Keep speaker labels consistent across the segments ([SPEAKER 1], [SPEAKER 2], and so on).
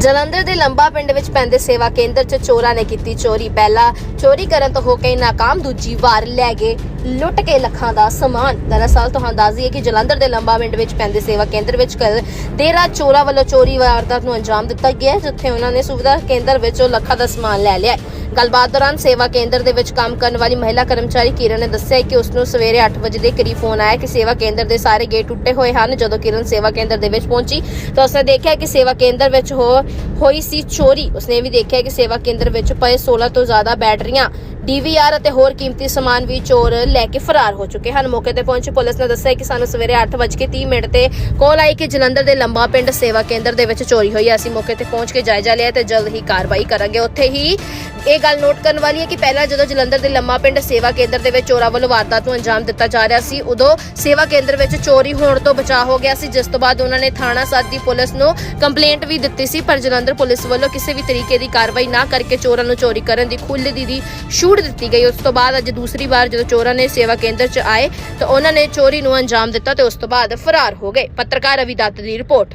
[SPEAKER 1] ਜਲੰਧਰ ਦੇ ਲੰਬਾ ਪਿੰਡ ਵਿੱਚ ਪੈਂਦੇ ਸੇਵਾ ਕੇਂਦਰ 'ਚ ਚੋਰਾਂ ਨੇ ਕੀਤੀ ਚੋਰੀ। ਪਹਿਲਾਂ ਚੋਰੀ ਕਰਨ ਤੋਂ ਹੋ ਕੇ ਨਾਕਾਮ, ਦੂਜੀ ਵਾਰ ਲੈ ਗਏ ਲੁੱਟ ਕੇ ਲੱਖਾਂ ਦਾ ਸਮਾਨ। ਦਰਅਸਲ ਤੁਹਾਨੂੰ ਦੱਸ ਦਈਏ ਕਿ ਜਲੰਧਰ ਦੇ ਲੰਬਾ ਪਿੰਡ ਵਿੱਚ ਪੈਂਦੇ ਸੇਵਾ ਕੇਂਦਰ ਵਿੱਚ ਕੱਲ੍ਹ ਦੇਰ ਰਾਤ ਚੋਰਾਂ ਵੱਲੋਂ ਚੋਰੀ ਵਾਰਦਾਤ ਨੂੰ ਅੰਜਾਮ ਦਿੱਤਾ ਗਿਆ, ਜਿੱਥੇ ਉਹਨਾਂ ਨੇ ਸੁਵਿਧਾ ਕੇਂਦਰ ਵਿੱਚੋਂ ਲੱਖਾਂ ਦਾ ਸਮਾਨ ਲੈ ਲਿਆ। ਗੱਲਬਾਤ ਦੌਰਾਨ ਸੇਵਾ ਕੇਂਦਰ ਦੇ ਵਿੱਚ ਕੰਮ ਕਰਨ ਵਾਲੀ ਮਹਿਲਾ ਕਰਮਚਾਰੀ ਕਿਰਨ ਨੇ ਦੱਸਿਆ ਕਿ ਉਸ ਨੂੰ ਸਵੇਰੇ 8 ਵਜੇ ਦੇ ਕਰੀਬ ਫੋਨ ਆਇਆ ਕਿ ਸੇਵਾ ਕੇਂਦਰ ਦੇ ਸਾਰੇ ਗੇਟ ਟੁੱਟੇ ਹੋਏ ਹਨ। ਜਦੋਂ ਕਿਰਨ ਸੇਵਾ ਕੇਂਦਰ ਦੇ ਵਿੱਚ ਪਹੁੰਚੀ ਤਾਂ ਉਸਨੇ ਦੇਖਿਆ ਕਿ ਸੇਵਾ ਕੇਂਦਰ ਵਿੱਚ ਹੋਈ ਸੀ ਚੋਰੀ। ਉਸਨੇ ਵੀ ਦੇਖਿਆ ਕਿ ਸੇਵਾ ਕੇਂਦਰ ਵਿੱਚ ਪਏ 16 ਤੋਂ ਜ਼ਿਆਦਾ ਬੈਟਰੀਆਂ, DVR ਅਤੇ ਹੋਰ ਕੀਮਤੀ ਸਮਾਨ ਵੀ ਚੋਰ ਲੈ ਕੇ ਫਰਾਰ ਹੋ ਚੁੱਕੇ ਹਨ। ਮੌਕੇ ਤੇ ਪਹੁੰਚੀ ਪੁਲਿਸ ਨੇ ਦੱਸਿਆ ਕਿ ਸਾਨੂੰ ਸਵੇਰੇ 8:30 ਤੇ ਕਾਲ ਆਈ ਕਿ ਜਲੰਧਰ ਦੇ ਲੰਬਾ ਪਿੰਡ ਸੇਵਾ ਕੇਂਦਰ ਦੇ ਵਿੱਚ ਚੋਰੀ ਹੋਈ ਹੈ। ਅਸੀਂ ਮੌਕੇ ਤੇ ਪਹੁੰਚ ਕੇ ਜਾਇਜ਼ਾ ਲਿਆ ਤੇ ਜਲਦ ਹੀ ਕਾਰਵਾਈ ਕਰਾਂਗੇ। ਉੱਥੇ ਹੀ ਇਹ ਗੱਲ ਨੋਟ ਕਰਨ ਵਾਲੀ ਹੈ ਕਿ ਪਹਿਲਾਂ ਜਦੋਂ ਜਲੰਧਰ ਦੇ ਲੰਬਾ ਪਿੰਡ ਸੇਵਾ ਕੇਂਦਰ ਦੇ ਵਿੱਚ ਚੋਰਾਂ ਵੱਲੋਂ ਵਾਰਦਾਤ ਨੂੰ ਅੰਜਾਮ ਦਿੱਤਾ ਜਾ ਰਿਹਾ ਸੀ, ਉਦੋਂ ਸੇਵਾ ਕੇਂਦਰ ਵਿੱਚ ਚੋਰੀ ਹੋਣ ਤੋਂ ਬਚਾਅ ਹੋ ਗਿਆ ਸੀ, ਜਿਸ ਤੋਂ ਬਾਅਦ ਉਹਨਾਂ ਨੇ ਥਾਣਾ ਸੱਦੀ ਪੁਲਿਸ ਨੂੰ ਕੰਪਲੇਂਟ ਵੀ ਦਿੱਤੀ ਸੀ। ਪਰ ਜਲੰਧਰ ਪੁਲਿਸ ਵੱਲੋਂ ਕਿਸੇ ਵੀ ਤਰੀਕੇ ਦੀ ਕਾਰਵਾਈ ਨਾ ਕਰਕੇ ਚੋਰਾਂ ਨੂੰ ਚੋਰੀ ਕਰਨ ਦੀ ਖੁੱਲ੍ਹ ਦੀ ਛੂਟ ਦਿੱਤੀ ਗਈ। ਉਸ ਤੋਂ ਬਾਅਦ ਅੱਜ ਦੂਸਰੀ ਵਾਰ ਜਦੋਂ ਚੋਰਾਂ ਨੇ ਸੇਵਾ ਕੇਂਦਰ 'ਚ ਆਏ ਤਾਂ ਉਹਨਾਂ ਨੇ ਚੋਰੀ ਨੂੰ ਅੰਜਾਮ ਦਿੱਤਾ ਤੇ ਉਸ ਤੋਂ ਬਾਅਦ ਫਰਾਰ ਹੋ ਗਏ। ਪੱਤਰਕਾਰ ਰਵੀ ਦੱਤ ਦੀ ਰਿਪੋਰਟ।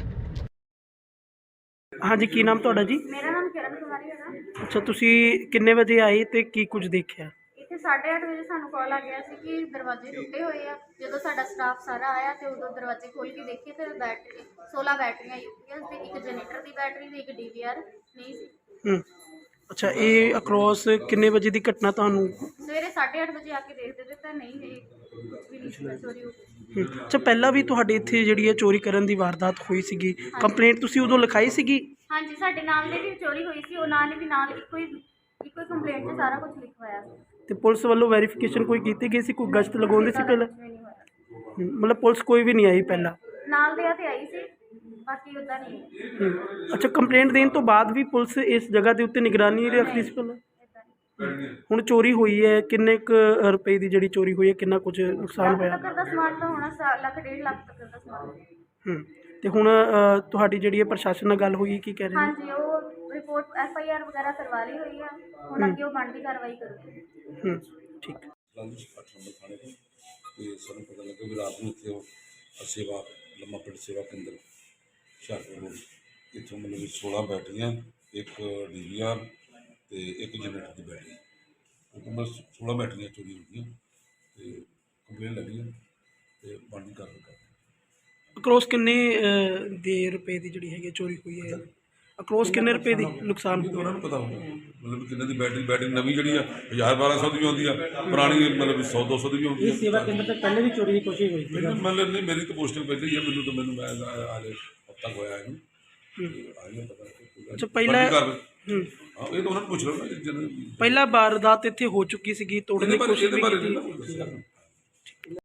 [SPEAKER 2] हाँ जी, की नाम तुहाडा जी?
[SPEAKER 3] मेरा नाम किरण कुमारी है।
[SPEAKER 2] अच्छा, तुसी किन्ने बजे आए ते की कुछ देखिया?
[SPEAKER 3] ਇੱਥੇ 8:30 ਵਜੇ ਸਾਨੂੰ ਕਾਲ ਆ ਗਿਆ ਸੀ ਕਿ ਦਰਵਾਜ਼ੇ ਟੁੱਟੇ ਹੋਏ ਆ। ਜਦੋਂ ਸਾਡਾ ਸਟਾਫ ਸਾਰਾ ਆਇਆ ਤੇ ਉਦੋਂ ਦਰਵਾਜ਼ੇ ਖੋਲ ਕੇ ਦੇਖੇ ਤੇ 16 ਬੈਟਰੀਆਂ UPS ਤੇ ਇੱਕ ਜਨਰੇਟਰ ਦੀ ਬੈਟਰੀ ਤੇ ਇੱਕ DVR ਨਹੀਂ ਸੀ।
[SPEAKER 2] अच्छा, ये अक्रॉस किन्ने बजे ਦੀ ਘਟਨਾ ਤੁਹਾਨੂੰ?
[SPEAKER 3] ਸਵੇਰੇ 8:30 ਵਜੇ ਆ ਕੇ ਦੇਖਦੇ ਤਾਂ ਨਹੀਂ ਹੈ ਕੁਝ ਵੀ ਨਹੀਂ ਸੀ ਚੋਰੀ ਹੋ ਗਈ।
[SPEAKER 2] ਅੱਛਾ, ਪਹਿਲਾਂ ਵੀ ਤੁਹਾਡੇ ਇੱਥੇ ਜਿਹੜੀ ਹੈ ਚੋਰੀ ਕਰਨ ਦੀ ਵਾਰਦਾਤ ਹੋਈ ਸੀਗੀ, ਕੰਪਲੇਂਟ ਤੁਸੀਂ ਉਦੋਂ ਲਿਖਾਈ ਸੀਗੀ?
[SPEAKER 3] ਹਾਂਜੀ, ਸਾਡੇ ਨਾਲ ਦੇ ਵੀ ਚੋਰੀ ਹੋਈ ਸੀ, ਉਹਨਾਂ ਨੇ ਵੀ ਨਾਲ ਇੱਕੋ ਹੀ ਕੰਪਲੇਂਟ 'ਚ ਸਾਰਾ ਕੁਝ ਲਿਖਵਾਇਆ ਸੀ।
[SPEAKER 2] ਤੇ ਪੁਲਿਸ ਵੱਲੋਂ ਵੈਰੀਫਿਕੇਸ਼ਨ ਕੋਈ ਕੀਤੀ ਗਈ ਸੀ? ਕੋਈ ਗਸ਼ਤ ਲਗਾਉਂਦੇ ਸੀ ਪਹਿਲਾਂ?
[SPEAKER 3] ਕੁਝ ਵੀ ਨਹੀਂ ਹੋਇਆ।
[SPEAKER 2] ਮਤਲਬ ਪੁਲਿਸ ਕੋਈ ਵੀ ਨਹੀਂ ਆਈ ਪਹਿਲਾਂ?
[SPEAKER 3] ਨਾਲ ਦੇ ਤੇ ਆਈ ਸੀ, ਬਾਕੀ ਉਦਾਂ ਨਹੀਂ।
[SPEAKER 2] ਅੱਛਾ, ਕੰਪਲੇਂਟ ਦੇਣ ਤੋਂ ਬਾਅਦ ਵੀ ਪੁਲਿਸ ਇਸ ਜਗ੍ਹਾ ਦੇ ਉੱਤੇ ਨਿਗਰਾਨੀ ਰੱਖਦੀ ਸੀ ਪਹਿਲਾਂ? ਹੁਣ ਚੋਰੀ ਹੋਈ ਹੈ, ਕਿੰਨੇ ਕੁ ਰੁਪਏ ਦੀ ਜਿਹੜੀ ਚੋਰੀ ਹੋਈ ਹੈ, ਕਿੰਨਾ ਕੁਝ ਨੁਕਸਾਨ ਹੋਇਆ?
[SPEAKER 3] ਲੱਖ ਤੱਕ ਦਾ ਸਮਾਨ ਤਾਂ ਹੋਣਾ, ਲੱਖ 1.5 ਲੱਖ ਤੱਕ ਦਾ ਸਮਾਨ।
[SPEAKER 2] ਤੇ ਹੁਣ ਤੁਹਾਡੀ ਜਿਹੜੀ ਹੈ ਪ੍ਰਸ਼ਾਸਨ ਨਾਲ ਗੱਲ ਹੋਈ, ਕੀ ਕਹਿ ਰਹੇ ਨੇ?
[SPEAKER 3] ਹਾਂਜੀ, ਉਹ ਰਿਪੋਰਟ FIR ਵਗੈਰਾ ਕਰਵਾ ਲਈ ਹੋਈ ਆ, ਹੁਣ ਅੱਗੇ ਉਹ ਬਣਦੀ ਕਾਰਵਾਈ ਕਰੂਗੇ।
[SPEAKER 2] ਠੀਕ।
[SPEAKER 4] 8 ਨੰਬਰ ਥਾਣੇ ਤੋਂ ਤੇ ਸਾਨੂੰ ਪਤਾ ਲੱਗਾ ਵੀ ਰਾਤ ਨੂੰ ਇੱਥੇ ਸੇਵਾ ਲੰਮਾ ਪਿੰਡ ਸੇਵਾ ਕੇਂਦਰ ਹੁਸ਼ਿਆਰਪੁਰ ਰੋਡ, ਇੱਥੋਂ ਮਤਲਬ 16 ਬੈਟਰੀਆਂ, ਇੱਕ DVR ਤੇ ਇੱਕ ਜਨਰੇਟਰ ਦੀ ਬੈਟਰੀ, ਉਹ 16 ਬੈਟਰੀਆਂ ਚੋਰੀ ਹੋ ਗਈਆਂ ਤੇ ਕੰਪਲੇਨ ਲੱਗੀ ਹੈ ਤੇ ਬਣਦੀ ਕਾਰਵਾਈ ਕਰਦੇ।
[SPEAKER 2] ਅਕਰੋਸ ਕਿੰਨੇ ਦੇ ਰੁਪਏ ਦੀ ਜਿਹੜੀ ਹੈਗੀ ਚੋਰੀ ਹੋਈ ਹੈ? ਅਕਰੋਸ ਕਿੰਨੇ ਰੁਪਏ ਦੀ ਨੁਕਸਾਨ
[SPEAKER 4] ਤਾਂ
[SPEAKER 2] ਹੋਇਆ?
[SPEAKER 4] ਉਹਨਾਂ ਨੂੰ ਪਤਾ ਹੋਊਗਾ ਮਤਲਬ ਕਿੰਨੇ ਦੀ ਬੈਟਰੀ ਨਵੀਂ ਜਿਹੜੀ ਆ 1000-1200 ਦੀ ਵੀ ਆਉਂਦੀ ਆ, ਪੁਰਾਣੀ ਮਤਲਬ 100-200 ਦੀ ਵੀ ਆਉਂਦੀ ਆ।
[SPEAKER 2] ਸੇਵਾ ਕੇਂਦਰ ਤੋਂ ਪਹਿਲੇ ਵੀ ਚੋਰੀ ਦੀ ਕੋਸ਼ਿਸ਼ ਹੋਈ ਸੀ?
[SPEAKER 4] ਮਤਲਬ ਨਹੀਂ, ਮੇਰੀ ਤਾਂ ਪੋਸਟਿੰਗ ਪਹਿਲੇ ਹੀ ਆ, ਮੈਨੂੰ ਮੈਂ ਆਲੇ ਹਫ਼ਤਾ ਹੋਇਆ ਇਹਨੂੰ ਆ ਗਿਆ ਪਤਾ।
[SPEAKER 2] ਅੱਛਾ, ਪਹਿਲਾਂ
[SPEAKER 4] ਹਾਂ, ਇਹ ਤਾਂ ਉਹਨਾਂ ਨੂੰ ਪੁੱਛ ਲਓ ਨਾ ਜਿਹਨਾਂ
[SPEAKER 2] ਪਹਿਲਾਂ ਵਾਰਦਾਤ ਇੱਥੇ ਹੋ ਚੁੱਕੀ ਸੀਗੀ, ਤੋੜਨ ਦੀ ਕੋਸ਼ਿਸ਼ ਵੀ ਕੀਤੀ?
[SPEAKER 4] ਬਾਰੇ